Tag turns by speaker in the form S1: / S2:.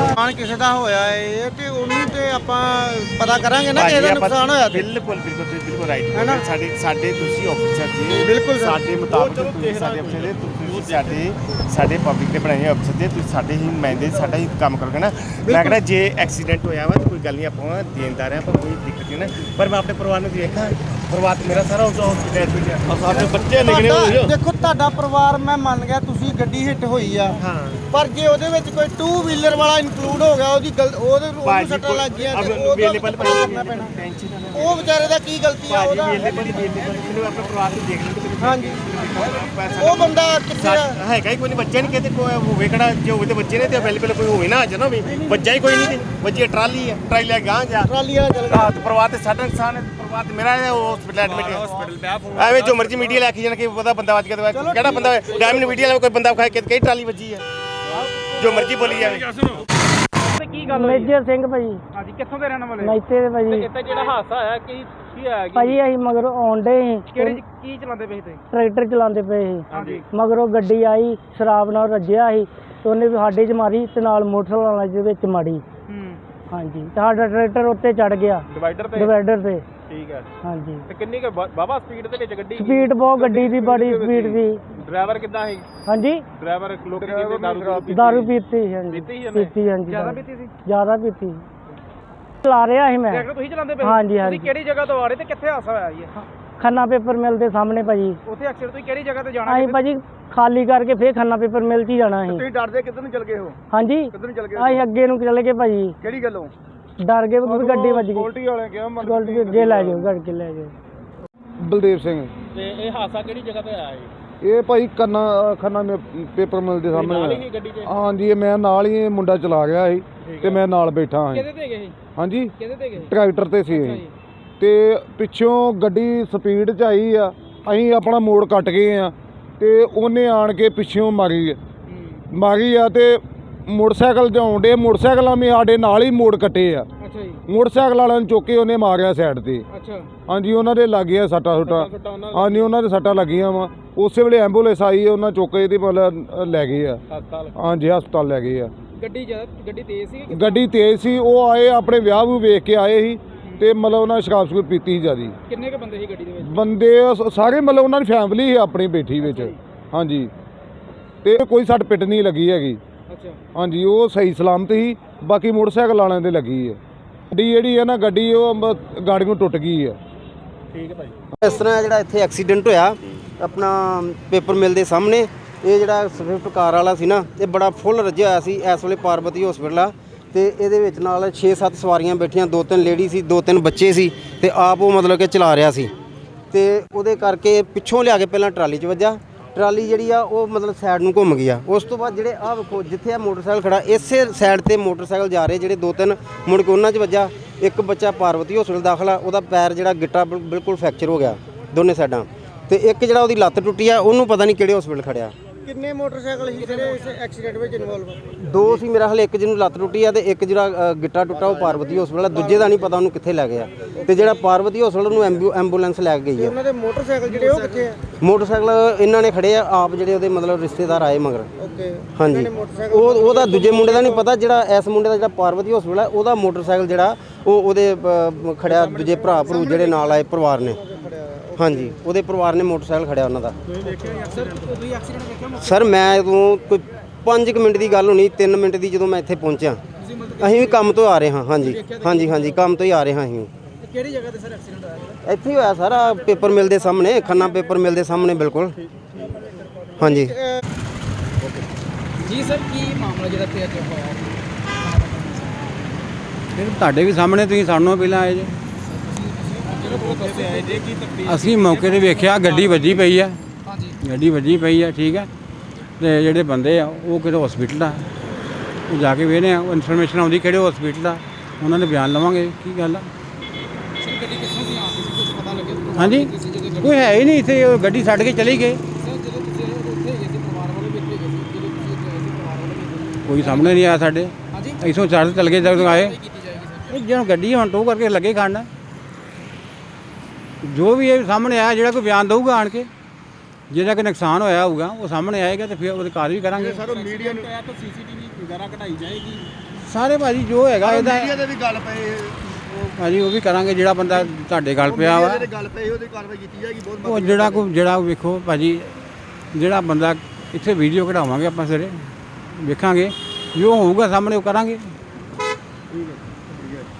S1: ਨੁਕਸਾਨ ਕਿਸੇ ਦਾ ਹੋਇਆ ਹੈ ਤੇ ਉਹਨੂੰ ਤੇ ਆਪਾਂ ਪਤਾ ਕਰਾਂਗੇ ਨਾ ਕਿਸੇ ਦਾ ਨੁਕਸਾਨ ਹੋਇਆ ਤੇ
S2: ਬਿਲਕੁਲ ਰਾਈਟ ਹੈ ਨਾ। ਸਾਡੇ ਤੁਸੀਂ ਆਫੀਸਰ ਜੀ,
S1: ਬਿਲਕੁਲ
S2: ਸਾਡੇ ਮੁਤਾਬਕ ਤੁਸੀਂ ਸਾਡੇ ਅਫਸਰ ਦੇ, ਤੁਸੀਂ ਸਾਡੇ ਪਬਲਿਕ ਦੇ ਬਣਾਏ ਅਫਸਰ ਦੇ, ਤੁਸੀਂ ਸਾਡੇ ਹੀ ਨੁਮਾਇੰਦੇ, ਸਾਡਾ ਹੀ ਕੰਮ ਕਰੋਗੇ ਨਾ। ਮੈਂ ਕਹਿੰਦਾ ਜੇ ਐਕਸੀਡੈਂਟ ਹੋਇਆ ਵਾ ਤਾਂ ਕੋਈ ਗੱਲ ਨਹੀਂ, ਆਪਾਂ ਦੇਣਦਾਰ ਹਾਂ, ਆਪਾਂ ਕੋਈ ਦਿੱਕਤ ਨਹੀਂ ਨਾ। ਪਰ ਮੈਂ ਆਪਣੇ ਪਰਿਵਾਰ ਨੂੰ ਦੇਖਾਂ, ਪਰਿਵਾਰ ਮੇਰਾ ਸਾਰਾ ਹਸਪੀਟਲ ਵਿੱਚ ਆ, ਸਾਡੇ ਬੱਚੇ ਨਿਕਲੇ ਹੋਏ।
S1: ਦੇਖੋ ਤੁਹਾਡਾ ਪਰਿਵਾਰ ਮੈਂ ਮੰਨ ਗਿਆ, ਤੁਸੀਂ ਗੱਡੀ ਹਿੱਟ ਹੋਈ ਆ, ਪਰ ਜੇ ਉਹਦੇ ਵਿੱਚ ਕੋਈ 2 ਵੀਲਰ ਵਾਲਾ ਇਨਕਲੂਡ ਹੋ ਗਿਆ, ਉਹਦੀ ਉਹਨੂੰ ਸੱਟਾਂ ਲੱਗ ਗਈਆਂ ਤੇ ਉਹਦਾ ਕਰਨਾ ਪੈਣਾ। ਉਹ ਵਿਚਾਰੇ ਦਾ ਕੀ ਗਲਤੀ ਆ ਉਹਦਾ?
S2: ਮੈਨੂੰ ਆਪਣੇ ਪਰਿਵਾਰ ਨੂੰ ਦੇਖ ਲੈਣ।
S1: ਹਾਂਜੀ, ਉਹ ਬੰਦਾ ਕਿੱਥੇ
S2: ਹੈਗਾ ਹੀ ਕੋਈ ਨਹੀਂ, ਬੱਚੇ ਨਹੀਂ ਕਿਤੇ ਕੋਈ ਹੋਵੇ ਕਿਹੜਾ, ਜੇ ਹੋਵੇ ਤੇ ਬੱਚੇ ਨੇ ਤੇ ਅਵੇਲੇਬਲ ਕੋਈ ਹੋਵੇ ਨਾ, ਜਨਾ ਵੀ ਬੱਚਾ ਹੀ ਕੋਈ ਨਹੀਂ ਤੇ ਬੱਚੇ ਟਰਾਲੀ ਹੈ, ਟਰਾਲੀ ਲੈ ਗਾਂ ਜਾ,
S1: ਟਰਾਲੀ ਵਾਲਾ ਚੱਲ ਗਿਆ।
S2: ਪਰਿਵਾਰ ਤੇ ਸਾਡਾ ਨੁਕਸਾਨ ਹੈ, ਪਰਿਵਾਰ ਤੇ ਮੇਰਾ ਹੈ, ਉਹ ਹਸਪੀਟਲ ਐਡਮਿਟ ਐਵੇਂ ਜੋ ਮਰਜ਼ੀ ਮੀਡੀਆ ਲੈ ਕੇ ਜਾਣ ਕਿ ਉਹਦਾ ਬੰਦਾ ਵੱਜ ਗਿਆ, ਕਿਹੜਾ ਬੰਦਾ ਡਾਇਮੰਡ ਮੀਡੀਆ ਵਾਲਾ ਕੋਈ ਬੰਦਾ ਖਾਏ ਕਿ ਕਈ ਟਰਾਲੀ ਵੱਜੀ ਹੈ, ਜੋ ਮਰਜ਼ੀ ਬੋਲੀ ਜਾਵੇ।
S3: ਕੀ ਗੱਲ ਹੋਈ?
S4: ਮੇਜਰ ਸਿੰਘ ਭਾਜੀ।
S3: ਹਾਂਜੀ, ਕਿੱਥੋਂ ਦੇ ਰਹਿਣ ਵਾਲੇ?
S4: ਮੈਤੇ ਦੇ ਭਾਜੀ।
S3: ਇੱਥੇ ਜਿਹੜਾ ਹਾਦਸਾ ਹੋਇਆ ਕੀ ਹੋਇਆ?
S4: ਭਾਜੀ ਅਸੀਂ ਮਗਰੋਂ ਆਉਂਦੇ ਸੀ,
S3: ਕਿਹੜੀ ਕੀ ਚਲਾਉਂਦੇ ਪਏ ਤੁਸੀਂ?
S4: ਟਰੈਕਟਰ ਚਲਾਉਂਦੇ ਪਏ ਸੀ,
S3: ਹਾਂਜੀ।
S4: ਮਗਰੋਂ ਗੱਡੀ ਆਈ ਸ਼ਰਾਬ ਨਾਲ ਰੱਜਿਆ ਸੀ ਤੇ ਉਹਨੇ ਵੀ ਸਾਡੇ 'ਚ ਮਾਰੀ ਤੇ ਨਾਲ ਮੋਟਰਸਾਈਕਲ ਵਾਲੇ ਦੇ ਵਿੱਚ ਮਾਰੀ। ਹਾਂਜੀ, ਤੇ ਸਾਡਾ ਟਰੈਕਟਰ ਉੱਤੇ ਚੜ ਗਿਆ ਡਿਵਾਈਡਰ ਤੇ।
S3: ਠੀਕ ਹੈ।
S4: ਹਾਂਜੀ,
S3: ਤੇ ਕਿੰਨੀ ਕੁ ਬਾਬਾ ਸਪੀਡ ਦੇ ਵਿੱਚ ਗੱਡੀ?
S4: ਸਪੀਡ ਬਹੁਤ ਗੱਡੀ ਦੀ, ਬੜੀ ਸਪੀਡ ਸੀ।
S3: ਡਰਾਈਵਰ ਕਿੱਦਾਂ ਸੀ?
S4: ਹਾਂਜੀ,
S3: ਡਰਾਈਵਰ ਲੋਕੀ ਕਹਿੰਦੇ
S4: ਦਾਰੂ ਪੀਤੀ ਸੀ। ਹਾਂਜੀ, ਪੀਤੀ। ਹਾਂਜੀ,
S3: ਜ਼ਿਆਦਾ ਪੀਤੀ ਸੀ?
S4: ਜ਼ਿਆਦਾ ਪੀਤੀ। ਚਲਾ ਰਿਹਾ ਸੀ ਮੈਂ।
S3: ਟਰੈਕਟਰ ਤੁਸੀਂ ਚਲਾਉਂਦੇ ਪਏ?
S4: ਹਾਂਜੀ।
S3: ਤੁਸੀਂ ਕਿਹੜੀ ਜਗ੍ਹਾ ਤੋਂ ਆ ਰਹੇ ਤੇ ਕਿੱਥੇ ਹਾਦਸਾ ਹੋਇਆ ਜੀ?
S4: ਖੰਨਾ ਪੇਪਰ ਮਿਲ ਦੇ ਸਾਹਮਣੇ ਭਾਜੀ।
S3: ਉੱਥੇ ਐਕਸੀਡੈਂਟ ਤੁਸੀਂ ਕਿਹੜੀ ਜਗ੍ਹਾ ਤੇ ਜਾਣਾ?
S4: ਅਸੀਂ ਭਾਜੀ ਖਾਲੀ ਕਰਕੇ ਫੇਰ ਖੰਨਾ ਪੇਪਰ ਮਿਲ 'ਚ ਹੀ ਜਾਣਾ ਸੀ।
S1: ਤੁਸੀਂ ਡਰਦੇ ਕਿੱਧਰ ਨੂੰ ਚਲ ਗਏ ਹੋ?
S4: ਹਾਂਜੀ,
S1: ਕਿੱਧਰ ਨੂੰ ਚਲ ਗਏ?
S4: ਅਸੀਂ ਅੱਗੇ ਨੂੰ ਚਲੇ ਗਏ ਭਾਜੀ।
S1: ਕਿਹੜੀ ਗੱਲੋਂ
S4: ਡਰ ਗਏ ਵੀ ਗੱਡੀ ਵੱਜ ਗਈ।
S1: ਸਕਿਉਰਟੀ ਵਾਲੇ ਕਿਹਾ
S4: ਸਕਿਉਰਟੀ ਅੱਗੇ ਲੈ ਜਾਓ, ਗੱਡ ਕੇ ਲੈ ਜਾਓ।
S5: ਬਲਦੇਵ ਸਿੰਘ।
S3: ਤੇ ਇਹ ਹਾਦਸਾ ਕਿਹੜੀ ਜਗ੍ਹਾ ਤੇ ਆਇਆ ਜੀ?
S5: ਇਹ ਭਾਈ ਖੰਨਾ ਪੇਪਰ ਮਿਲ ਦੇ ਸਾਹਮਣੇ। ਹਾਂਜੀ, ਮੈਂ ਨਾਲ ਹੀ, ਇਹ ਮੁੰਡਾ ਚਲਾ ਗਿਆ ਸੀ ਤੇ ਮੈਂ ਨਾਲ ਬੈਠਾ ਹਾਂ।
S3: ਕਿਹਦੇ ਤੇ ਗਏ?
S5: ਹਾਂਜੀ,
S3: ਕਿਹਦੇ ਤੇ ਗਏ?
S5: ਟਰੈਕਟਰ ਤੇ ਸੀ ਤੇ ਪਿੱਛੋਂ ਗੱਡੀ ਸਪੀਡ 'ਚ ਆਈ ਆ, ਅਸੀਂ ਆਪਣਾ ਮੋੜ ਕੱਟ ਗਏ ਆ ਤੇ ਉਹਨੇ ਆਣ ਕੇ ਪਿੱਛੋਂ ਮਾਰੀ ਆ ਤੇ ਮੋਟਰਸਾਈਕਲ 'ਤੇ ਆਉਣ ਡੇ, ਮੋਟਰਸਾਈਕਲਾਂ ਵੀ ਸਾਡੇ ਨਾਲ ਹੀ ਮੋੜ ਕੱਟੇ ਆ।
S3: ਅੱਛਾ ਜੀ।
S5: ਮੋਟਰਸਾਈਕਲ ਵਾਲਿਆਂ ਨੂੰ ਚੁੱਕ ਕੇ ਉਹਨੇ ਮਾਰਿਆ ਸਾਈਡ ਤੇ।
S3: ਅੱਛਾ।
S5: ਹਾਂਜੀ, ਉਹਨਾਂ ਦੇ ਲੱਗ ਗਿਆ ਸੱਟਾਂ। ਹਾਂਜੀ, ਉਹਨਾਂ ਦੇ ਸੱਟਾਂ ਲੱਗੀਆਂ ਵਾ। ਉਸੇ ਵੇਲੇ ਐਂਬੂਲੈਂਸ ਆਈ, ਉਹਨਾਂ ਚੁੱਕ ਕੇ ਤੇ ਮਤਲਬ ਲੈ ਗਏ ਆ। ਹਾਂਜੀ, ਹਸਪਤਾਲ ਲੈ ਗਏ ਆ।
S3: ਗੱਡੀ ਤੇਜ਼ ਸੀ?
S5: ਗੱਡੀ ਤੇਜ਼ ਸੀ। ਉਹ ਆਏ ਆਪਣੇ ਵਿਆਹ ਨੂੰ ਵੇਖ ਕੇ ਆਏ ਸੀ ਤੇ ਮਤਲਬ ਉਹਨਾਂ ਸ਼ਰਾਬ ਸ਼ਰੂਬ ਪੀਤੀ ਸੀ ਜ਼ਿਆਦੀ।
S3: ਕਿੰਨੇ ਕੁ ਬੰਦੇ ਸੀ ਗੱਡੀ ਦੇ ਵਿੱਚ?
S5: ਬੰਦੇ ਸਾਰੇ ਮਤਲਬ ਉਹਨਾਂ ਦੀ ਫੈਮਿਲੀ ਸੀ ਆਪਣੀ ਬੈਠੀ ਵਿੱਚ। ਹਾਂਜੀ, ਤੇ ਕੋਈ ਸੱਟ ਪਿੱਟ ਨਹੀਂ ਲੱਗੀ ਹੈਗੀ।
S3: ਅੱਛਾ।
S5: ਹਾਂਜੀ, ਉਹ ਸਹੀ ਸਲਾਮਤ ਸੀ। ਬਾਕੀ ਮੋਟਰਸਾਈਕਲ ਵਾਲਿਆਂ ਦੇ ਲੱਗੀ ਹੈ। ਗੱਡੀ ਜਿਹੜੀ ਹੈ ਨਾ, ਗੱਡੀ ਉਹ ਗਾੜੀਆਂ ਟੁੱਟ ਗਈ ਹੈ।
S3: ਠੀਕ ਹੈ ਭਾਈ।
S6: ਇਸ ਤਰ੍ਹਾਂ ਜਿਹੜਾ ਇੱਥੇ ਐਕਸੀਡੈਂਟ ਹੋਇਆ ਆਪਣਾ ਪੇਪਰ ਮਿਲ ਦੇ ਸਾਹਮਣੇ, ਇਹ ਜਿਹੜਾ ਸਵਿਫਟ ਕਾਰ ਵਾਲਾ ਸੀ ਨਾ, ਇਹ ਬੜਾ ਫੁੱਲ ਰੱਜਿਆ ਹੋਇਆ ਸੀ। ਇਸ ਵੇਲੇ ਪਾਰਬਤੀ ਹਸਪੀਟਲ ਆ ਤੇ ਇਹਦੇ ਵਿੱਚ ਨਾਲ 6-7 ਸਵਾਰੀਆਂ ਬੈਠੀਆਂ, 2-3 ਲੇਡੀ ਸੀ, 2-3 ਬੱਚੇ ਸੀ ਤੇ ਆਪ ਉਹ ਮਤਲਬ ਕਿ ਚਲਾ ਰਿਹਾ ਸੀ ਤੇ ਉਹਦੇ ਕਰਕੇ ਪਿੱਛੋਂ ਲਿਆ ਕੇ ਪਹਿਲਾਂ ਟਰਾਲੀ 'ਚ ਵੱਜਾ। ਟਰਾਲੀ ਜਿਹੜੀ ਆ ਉਹ ਮਤਲਬ ਸਾਈਡ ਨੂੰ ਘੁੰਮ ਗਈ ਆ। ਉਸ ਤੋਂ ਬਾਅਦ ਜਿਹੜੇ ਆਹ ਵੇਖੋ ਜਿੱਥੇ ਆ ਮੋਟਰਸਾਈਕਲ ਖੜਾ, ਇਸੇ ਸਾਈਡ ਤੇ ਮੋਟਰਸਾਈਕਲ ਜਾ ਰਹੇ ਜਿਹੜੇ 2-3 ਮੁੜ ਕੇ ਉਹਨਾਂ 'ਚ ਵੱਜਾ। ਇੱਕ ਬੱਚਾ ਪਾਰਵਤੀ ਹਸਪੀਟਲ ਦਾਖਲ ਆ, ਉਹਦਾ ਪੈਰ ਜਿਹੜਾ ਗਿੱਟਾ ਬਿਲਕੁਲ ਫ੍ਰੈਕਚਰ ਹੋ ਗਿਆ ਦੋਨੇ ਸਾਈਡਾਂ ਤੇ ਇੱਕ ਜਿਹੜਾ ਉਹਦੀ ਲੱਤ ਟੁੱਟੀ ਆ, ਉਹਨੂੰ ਪਤਾ ਨਹੀਂ ਕਿਹੜੇ ਹਸਪੀਟਲ ਖੜਿਆ।
S1: ਕਿੰਨੇ ਮੋਟਰਸਾਈਕਲ ਸੀ ਜਿਹੜੇ ਇਸ ਐਕਸੀਡੈਂਟ ਵਿੱਚ ਇਨਵੋਲਵ?
S6: 2 ਸੀ ਮੇਰਾ ਹਾਲੇ, ਇੱਕ ਜਿਹਨੂੰ ਲੱਤ ਟੁੱਟੀ ਆ ਤੇ ਇੱਕ ਜਿਹੜਾ ਗਿੱਟਾ ਟੁੱਟਾ ਉਹ ਪਾਰਵਤੀ ਹਸਪੀਟਲ ਆ। ਦੂਜੇ ਦਾ ਨਹੀਂ ਪਤਾ ਉਹਨੂੰ ਕਿੱਥੇ ਲੈ ਗਿਆ ਤੇ ਜਿਹੜਾ ਪਾਰਵਤੀ ਹਸਪੀਟਲ ਨੂੰ ਐਂਬੂਲੈਂਸ ਲੈ ਕੇ ਗਈ ਆ।
S1: ਉਹਨਾਂ ਦੇ ਮੋਟਰਸਾਈਕਲ ਜਿਹੜੇ ਉਹ ਕਿੱਥੇ ਆ?
S6: ਮੋਟਰਸਾਈਕਲ ਇਹਨਾਂ ਨੇ ਖੜੇ ਆ, ਆਪ ਜਿਹੜੇ ਉਹਦੇ ਮਤਲਬ ਰਿਸ਼ਤੇਦਾਰ ਆਏ ਮਗਰ।
S1: ਓਕੇ।
S6: ਹਾਂਜੀ, ਉਹਦਾ ਦੂਜੇ ਮੁੰਡੇ ਦਾ ਨਹੀਂ ਪਤਾ, ਜਿਹੜਾ ਇਸ ਮੁੰਡੇ ਦਾ ਜਿਹੜਾ ਪਾਰਵਤੀ ਹਸਪੀਟਲ ਆ ਉਹਦਾ ਮੋਟਰਸਾਈਕਲ ਜਿਹੜਾ ਉਹ ਉਹਦੇ ਖੜਿਆ, ਦੂਜੇ ਭਰਾ ਭਰੂ ਜਿਹੜੇ ਨਾਲ ਆਏ ਪਰਿਵਾਰ ਨੇ। ਹਾਂਜੀ, ਉਹਦੇ ਪਰਿਵਾਰ ਨੇ ਮੋਟਰਸਾਈਕਲ ਖੜਿਆ ਉਹਨਾਂ ਦਾ। ਸਰ ਮੈਂ ਉਦੋਂ ਕੋਈ 5 ਮਿੰਟ ਦੀ ਗੱਲ ਹੋਣੀ, 3 ਮਿੰਟ ਦੀ ਜਦੋਂ ਮੈਂ ਇੱਥੇ ਪਹੁੰਚਿਆ। ਅਸੀਂ ਵੀ ਕੰਮ ਤੋਂ ਆ ਰਹੇ ਹਾਂ। ਹਾਂਜੀ, ਕੰਮ ਤੋਂ ਹੀ ਆ ਰਹੇ ਹਾਂ ਅਸੀਂ।
S3: ਕਿਹੜੀ ਜਗ੍ਹਾ ਤੇ ਸਰ ਐਕਸੀਡੈਂਟ ਹੋਇਆ?
S6: ਇੱਥੇ ਹੀ ਹੋਇਆ ਸਾਰਾ ਪੇਪਰ ਮਿਲ ਦੇ ਸਾਹਮਣੇ, ਖੰਨਾ ਪੇਪਰ ਮਿਲ ਦੇ ਸਾਹਮਣੇ ਬਿਲਕੁਲ। ਹਾਂਜੀ
S3: ਜੀ ਸਰ, ਕੀ ਮਾਮਲਾ ਜਿਹੜਾ ਤੇ ਅੱਜ ਹੋਇਆ?
S7: ਫਿਰ ਤੁਹਾਡੇ ਵੀ ਸਾਹਮਣੇ, ਤੁਸੀਂ ਸਾਨੂੰ ਪਹਿਲਾਂ ਆਏ ਜੇ। ਅਸੀਂ ਮੌਕੇ 'ਤੇ ਵੇਖਿਆ ਗੱਡੀ ਵੱਜੀ ਪਈ ਆ। ਗੱਡੀ ਵੱਜੀ ਪਈ ਆ, ਠੀਕ ਹੈ। ਤੇ ਜਿਹੜੇ ਬੰਦੇ ਆ ਉਹ ਕਿਹੜੇ ਹਸਪੀਟਲ ਆ, ਉਹ ਜਾ ਕੇ ਵੇਖਦੇ ਆ, ਉਹ ਇਨਫੋਰਮੇਸ਼ਨ ਆਉਂਦੀ ਕਿਹੜੇ ਹਸਪੀਟਲ ਆ, ਉਹਨਾਂ ਦੇ ਬਿਆਨ ਲਵਾਂਗੇ ਕੀ ਗੱਲ ਆ। ਹਾਂਜੀ, ਕੋਈ ਹੈ ਹੀ ਨਹੀਂ ਇੱਥੇ, ਉਹ ਗੱਡੀ ਛੱਡ ਕੇ ਚਲੀ ਗਏ। ਕੋਈ ਸਾਹਮਣੇ ਨਹੀਂ ਆਇਆ ਸਾਡੇ। ਇੱਥੋਂ ਚੜ੍ਹ ਚੱਲ ਗਏ ਜਦੋਂ ਆਏ। ਜਦੋਂ ਗੱਡੀ ਹੁਣ ਟੋ ਕਰਕੇ ਲੱਗੇ ਖੜਨਾ, ਜੋ ਵੀ ਇਹ ਸਾਹਮਣੇ ਆਇਆ, ਜਿਹੜਾ ਕੋਈ ਬਿਆਨ ਦਊਗਾ ਆਣ ਕੇ, ਜਿਹੜਾ ਕਿ ਨੁਕਸਾਨ ਹੋਇਆ ਹੋਊਗਾ ਉਹ ਸਾਹਮਣੇ ਆਏਗਾ ਤੇ ਫਿਰ ਉਹਦੀ ਕਾਰਵਾਈ ਕਰਾਂਗੇ।
S1: ਸਰ ਮੀਡੀਆ ਨੂੰ
S3: ਸੀਸੀਟੀਵੀ ਵਗੈਰਾ ਕਢਾਈ ਜਾਏਗੀ।
S7: ਸਾਰੇ ਭਾਜੀ ਜੋ ਹੈਗਾ ਇਹਦਾ
S1: ਮੀਡੀਆ ਦੇ ਵੀ ਗੱਲ ਪਏ
S7: ਭਾਜੀ ਉਹ ਵੀ ਕਰਾਂਗੇ। ਜਿਹੜਾ ਬੰਦਾ ਤੁਹਾਡੇ ਗੱਲ ਪਿਆ ਵਾ
S1: ਗੱਲ ਪਈ ਉਹਦੀ ਕਾਰਵਾਈ ਕੀਤੀ ਜਾਏਗੀ ਬਹੁਤ
S7: ਉਹ ਜਿਹੜਾ ਵੇਖੋ ਭਾਜੀ, ਜਿਹੜਾ ਬੰਦਾ ਇੱਥੇ ਵੀਡੀਓ ਕਢਾਵਾਂਗੇ ਆਪਾਂ ਸਵੇਰੇ ਵੇਖਾਂਗੇ, ਜੋ ਹੋਊਗਾ ਸਾਹਮਣੇ ਉਹ ਕਰਾਂਗੇ।